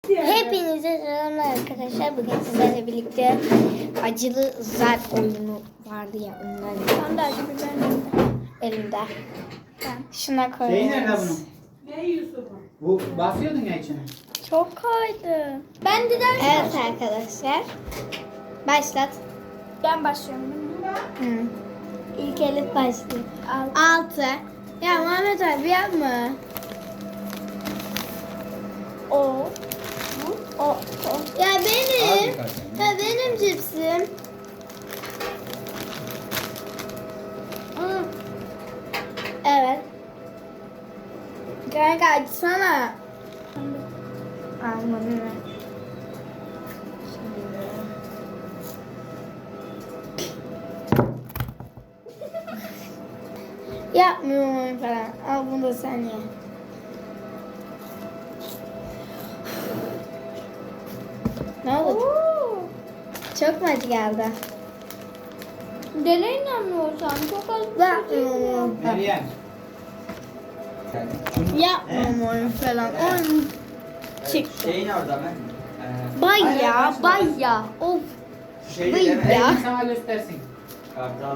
Hepinize selamlar arkadaşlar. Bugün sizlerle birlikte acılı zar oyunu vardı ya ondan. Ben de acı biberim Elimde. Ben. Şuna Şeyi nerede koyuyoruz. bunun? Ne Yusuf'un? Bu basıyordun ya içine. Çok kaydı. Ben de ders Evet arkadaşlar. Başlat. Ben başlıyorum. Hı. İlk Elif başlıyor. 6. 6. Ya Muhammed abi yapma. O. O. Ya benim. Az birkaç. Ya benim cipsim. Evet. Kanka açsana. Almadım ben. Yapmıyorum falan. Al bunu da sen ye. Ne oldu? Çok mu acı geldi? Dele inanmıyorsam çok az bir şey Yapmıyorum. Meryem. Yapmıyorum falan. Oyun çık. Şeyin orada mı? Bay ya, bay ya. Of. Şeyi Vıy de ya. sana göstersin. Kartal.